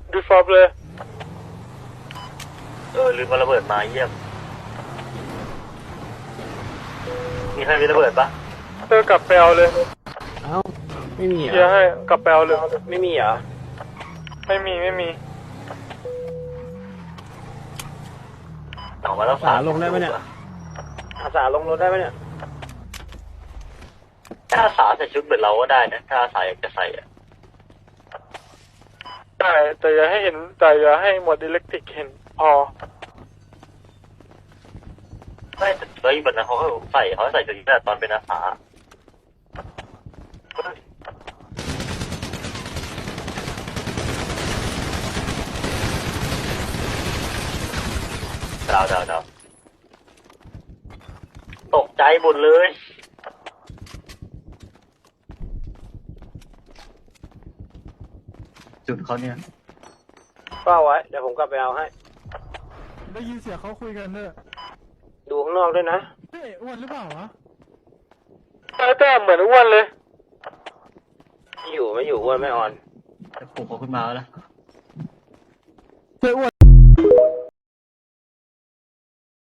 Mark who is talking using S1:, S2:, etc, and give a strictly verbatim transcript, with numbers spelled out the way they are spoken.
S1: ดูฟอบเลย
S2: เออลืมมาระเบิดมาเยี่ยมมีใครมีระเบิดปะ
S1: เออกลับไปเอาเลย
S3: เอ้าไม่มี
S1: เดี๋ยว
S3: อ่ะ
S1: ให้กลับไปเอาเลย
S3: ไม่มีเหรอ
S1: ไม่มีไม่มี
S2: ออกมาแล้ว
S3: อาสาลงได้ไหมเนี่ยอาสาลงรถได้ไหมเนี่ย
S2: ถ้าอาสาใส่ชุดเหมือนเราก็ได้นะถ้าอาสาอยากจะใส่อะ
S1: ได้แต่อย่าให้เห็นแต่อย่าให้หมวดอิเล็กทริกเห็นพอ
S2: ไม่แต่เฮ้ยแบบนั้นเขาก็ใส่เขาใส่ชุดนี้ตอนเป็นอาสาดาวดาวดาวตกใจหมดเลยจุดเขาเนี่ย
S3: เฝ้าไว้เดี๋ยวผมกลับไปเอาให้
S4: ได้ยินเสียงเขาคุยกันเนอะ
S3: ดูข้างนอกด้วยนะ
S4: เฮ้ยอ้วนหรือเปล่าวะ
S1: แต่แต่เหมือนอ้วนเลย
S3: อยู่ไม่อยู่อ้วนไม่อ่อน
S2: จะปลุกเขาขึ้นมาแล้วนะ
S4: เฮ้ยอ้วน